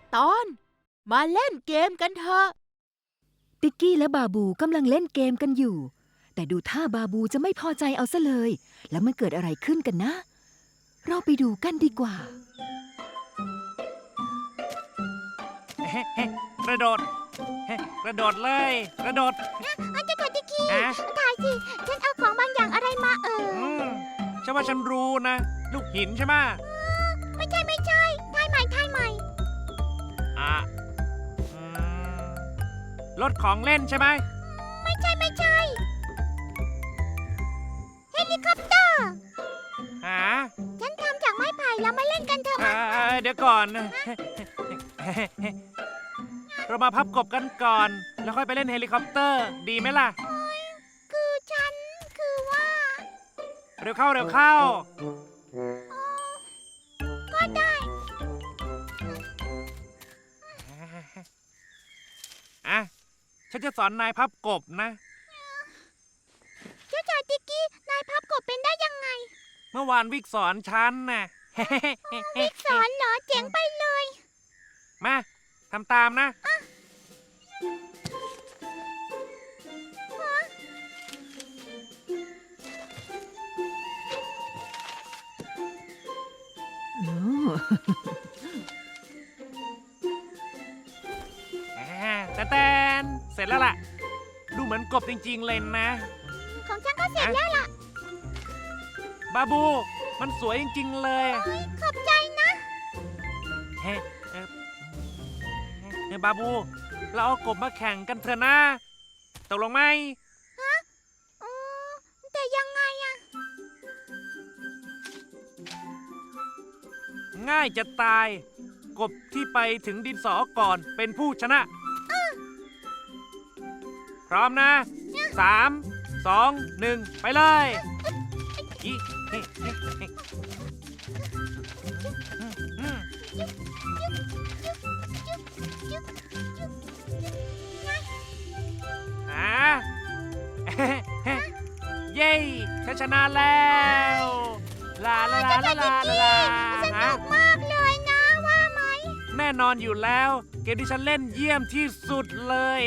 ตอนมาเล่นเกมกันเถอะติ๊กกี้และบาบูกำลังเล่นเกมกันอยู่แต่ดูท่าบาบูจะไม่พอใจเอาซะเลยแล้วมันเกิดอะไรขึ้นกันนะเราไปดูกันดีกว่ากระโดดกระโดดเลยกระโดดอาจารย์ติ๊กกี้ถ่ายสิฉันเอาของบางอย่างอะไรมาฉันว่าฉันรู้นะลูกหินใช่ไหมไม่ใช่ถ่ายใหม่รถของเล่นใช่ไหมไม่ใช่เฮลิคอปเตอร์ฉันทำจากไม้ไผ่แล้วมาเล่นกันเถอะเดี๋ยวก่อนเรามาพับกบกันก่อนแล้วค่อยไปเล่นเฮลิคอปเตอร์ดีไหมล่ะคือว่าเร็วเข้าก็ได้ฉันจะสอนนายพับกบนะเจ้าชายติ๊กกี้นายพับกบเป็นได้ยังไงเมื่อวานวิกสอนฉันน่ะวิกสอนเหรอเจ๋งไปเลยมาทำตามนะแต่เสร็จแล้วล่ะดูเหมือนกบจริงๆเลยนะของฉันก็เสร็จแล้วล่ะบาบูมันสวยจริงๆเลยขอบใจนะบาบูเราเอากบมาแข่งกันเถอะนะตกลงไหมแต่ยังไงอะง่ายจะตายกบที่ไปถึงดินสอก่อนเป็นผู้ชนะพร้อมนะ3 2 1ไปเลยเย้ฉันชนะแล้วลาสนุกมากเลยนะว่าไหมแน่นอนอยู่แล้วเกมที่ฉันเล่นเยี่ยมที่สุดเลย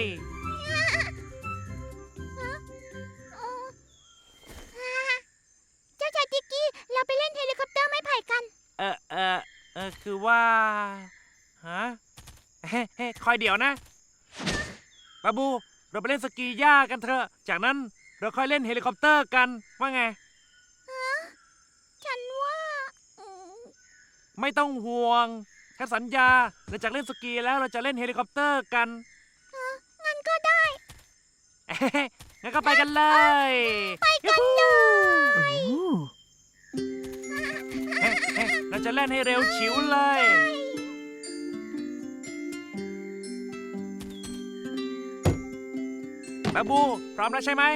เจ้าชายติ๊กกี้เราไปเล่นเฮลิคอปเตอร์ไม้ไผ่กันคือว่าคอยเดี๋ยวนะบาบูเราไปเล่นสกีย่ากันเถอะจากนั้นเราค่อยเล่นเฮลิคอปเตอร์กันว่าไงฉันว่าไม่ต้องห่วงฉันสัญญาหลังจากเล่นสกีแล้วเราจะเล่นเฮลิคอปเตอร์กันงั้นก็ได้งั้นก็ไปกันเลยไปกันเลยเราจะเล่นให้เร็วฉิวเลยบาบูพร้อมแล้วใช่ไหม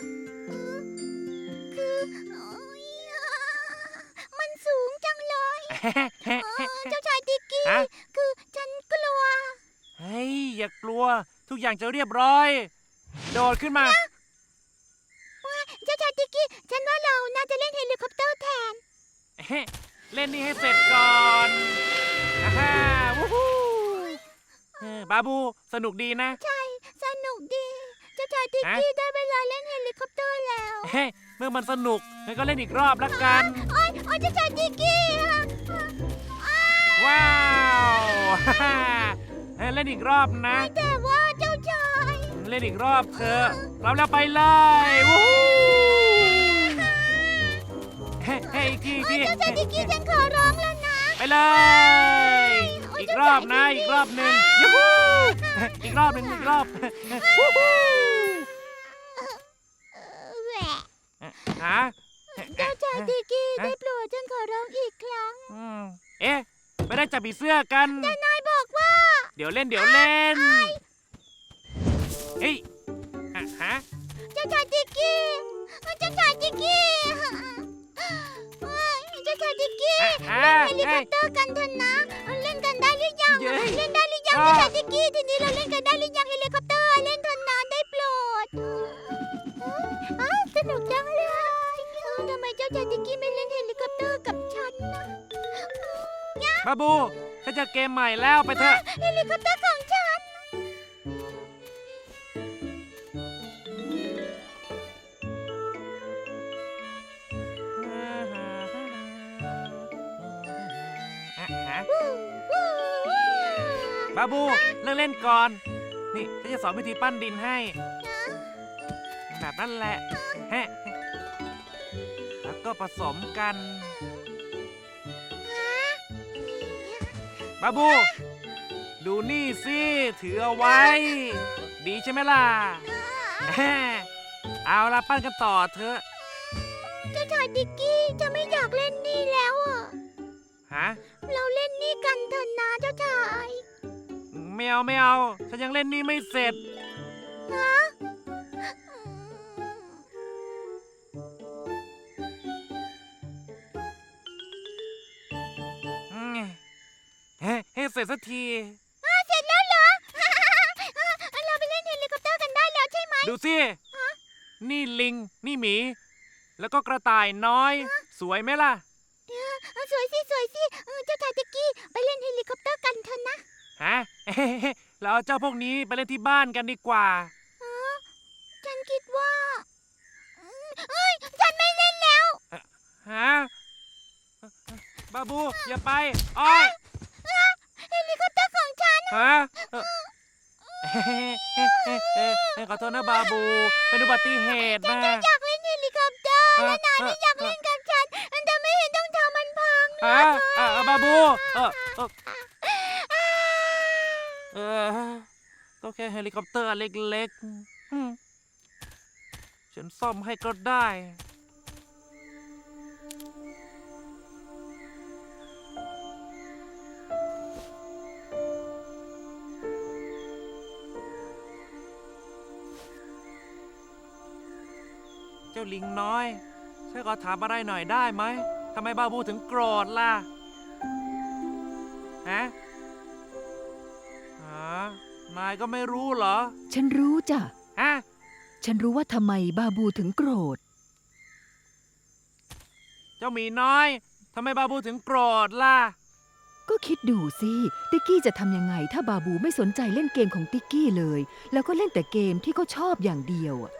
มันสูงจังเลยเจ้าชายติ๊กกี้คือฉันกลัวเฮ้ยอย่ากลัวทุกอย่างจะเรียบร้อยโดดขึ้นมาเจ้าชายติ๊กกี้ฉันว่าเราน่าจะเล่นเฮลิคอปเตอร์แทนเล่นนี่ให้เสร็จก่อนวู้ฮู้บาบูสนุกดีนะใช่สนุกดีเจ้าชายติ๊กกี้ได้เวลาเล่นเฮลิคอปเตอร์แล้วเมื่อมันสนุกงั้นก็เล่นอีกรอบละกันโอ๊ยเจ้าชายติ๊กกี้ว้าวเล่นอีกรอบนะแต่ว่าเจ้าชายเล่นอีกรอบเถอะเราแล้วไปเลยวู้อีกทีเจ้าชายติ๊กกี้ฉันขอร้องแล้วนะไปเลยอีกรอบนะอีกรอบหนึ่งยูฮูอีกรอบหนึ่งอีกรอบวู้ฮู้เจ้าชายติ๊กกี้ได้โปรดฉันขอร้องอีกครั้งไม่ได้จับผีเสื้อกันแต่นายบอกว่าเดี๋ยวเล่นเฮ้ยเจ้าชายติ๊กกี้เจ้าชายติ๊กกี้เจ้าชายติ๊กกี้เล่นเฮลิคอปเตอร์กันเถอะนะเล่นกันได้หรือยังเล่นได้หรือยังเจ้าชายติ๊กกี้ทีนี้เราเล่นกันได้หรือยังเฮลิคอปเตอร์เล่นเถอะนะได้โปรดสนุกจังเลยทำไมเจ้าชายติ๊กกี้ไม่เล่นเฮลิคอปเตอร์กับฉันนะบาบูฉันจะเจอเกมใหม่แล้วไปเถอะเฮลิคอปเตอร์ของฉันบาบูเลิกเล่นก่อน นี่ฉันจะสอนวิธีปั้นดินให้ แบบนั้นแหละแฮะแล้วก็ผสมกัน บาบู ดูนี่สิถือเอาไว้ ดีใช่ไหมล่ะแฮะเอาละปั้นกันต่อเถอะเจ้าชายดิกกี้จะไม่อยากเล่นนี่แล้วอ่ะฮะเราเล่นนี่กันเถอะนะเจ้าชายไม่เอาไม่เอา ฉันยังเล่นนี่ไม่เสร็จฮะให้เสร็จสักทีเสร็จแล้วเหรอ เราไปเล่นเฮลิคอปเตอร์กันได้แล้วใช่ไหมดูสิ นี่ลิง นี่หมี แล้วก็กระต่ายน้อย สวยไหมล่ะสวยสิสวยสิเจ้าชายดิกกี้ไปเล่นเฮลิคอปเตอร์กันเถอะนะฮะ เราเอาเจ้าพวกนี้ไปเล่นที่บ้านกันดีกว่าฉันคิดว่าฉันไม่เล่นแล้วฮะ บาบู อย่าไป อ้อยเฮลิคอปเตอร์ของฉันฮะขอโทษนะบาบู เป็นอุบัติเหตุนะอยากเล่นเฮลิคอปเตอร์และนายไม่อยากเล่นกับฉันแต่ไม่เห็นต้องทำมันพังบาบู ก็แค่เฮลิคอปเตอร์เล็กๆฉันซ่อมให้ก็ได้ เจ้าลิงน้อยช่วยขอถามอะไรหน่อยได้ไหมทำไมบาบูถึงโกรธล่ะ ฮะ นายก็ไม่รู้เหรอฉันรู้จ้ะฮะฉันรู้ว่าทำไมบาบูถึงโกรธเจ้าหมีน้อยทำไมบาบูถึงโกรธล่ะก็คิดดูสิ ติ๊กกี้จะทำยังไงถ้าบาบูไม่สนใจเล่นเกมของติ๊กกี้เลย แล้วก็เล่นแต่เกมที่เขาชอบอย่างเดียวอะ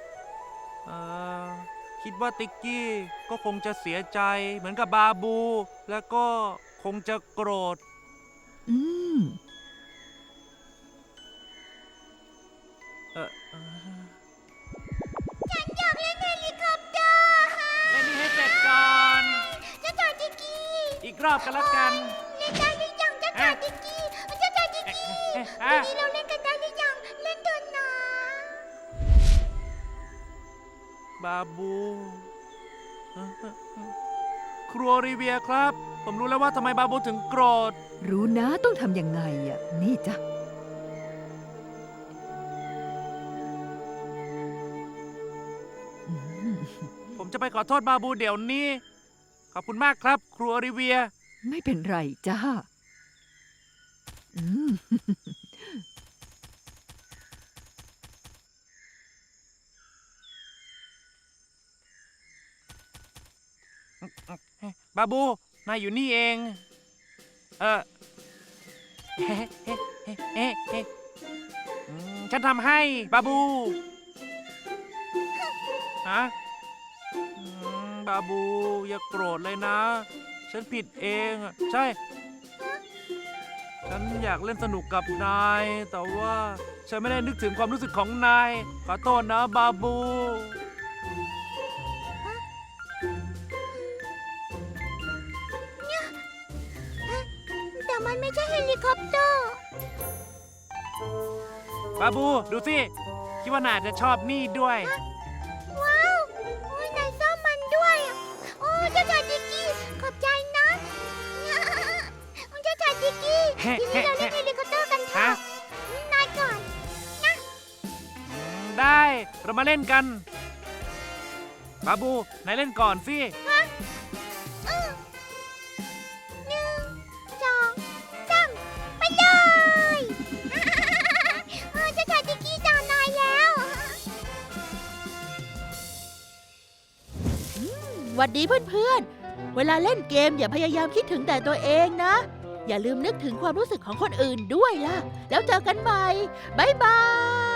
คิดว่าติ๊กกี้ก็คงจะเสียใจเหมือนกับบาบู แล้วก็คงจะโกรธอืมฉันอยากเล่นเฮลิคอปเตอร์เล่นนี่ให้เสร็จก่อนเจ้าชายดิกกี้อีกรอบกันละกันเล่นได้หรือยังเจ้าชายดิกกี้เจ้าชายดิกกี้วันนี้เราเล่นกันได้หรือยังเล่นเถอะนะบาบู ครัวรีเวียครับ ผมรู้แล้วว่าทำไมบาบูถึงโกรธรู้นะต้องทำยังไงอะนี่จ้ะอืมผมจะไปขอโทษบาบูเดี๋ยวนี้ ขอบคุณมากครับ ครัวรีเวียไม่เป็นไรจ้าอืมบาบู นายอยู่นี่เอง ฉันทำให้ บาบู ฮะ บาบู อย่าโกรธเลยนะ ฉันผิดเองอะใช่ ฉันอยากเล่นสนุกกับนาย แต่ว่าฉันไม่ได้นึกถึงความรู้สึกของนาย ขอโทษนะบาบูแต่มันไม่ใช่เฮลิคอปเตอร์บาบู ดูสิ คิดว่านายจะชอบนี่ด้วยว้าวโอ้ยนายซ่อมมันด้วยอะโอ้เจ้าชายดิกกี้ขอบใจนะเจ้าชายดิกกี้ทีนี้เราเล่นเฮลิคอปเตอร์กันเถฮะอะนายก่อนได้ เรามาเล่นกัน บาบู นายเล่นก่อนสิ 1 2 3ไปเลยเจ้าชายดิกกี้จานายแล้วหวัดดีเพื่อนๆ เวลาเล่นเกมอย่าพยายามคิดถึงแต่ตัวเองนะอย่าลืมนึกถึงความรู้สึกของคนอื่นด้วยล่ะ แล้วเจอกันใหม่ บ๊ายบาย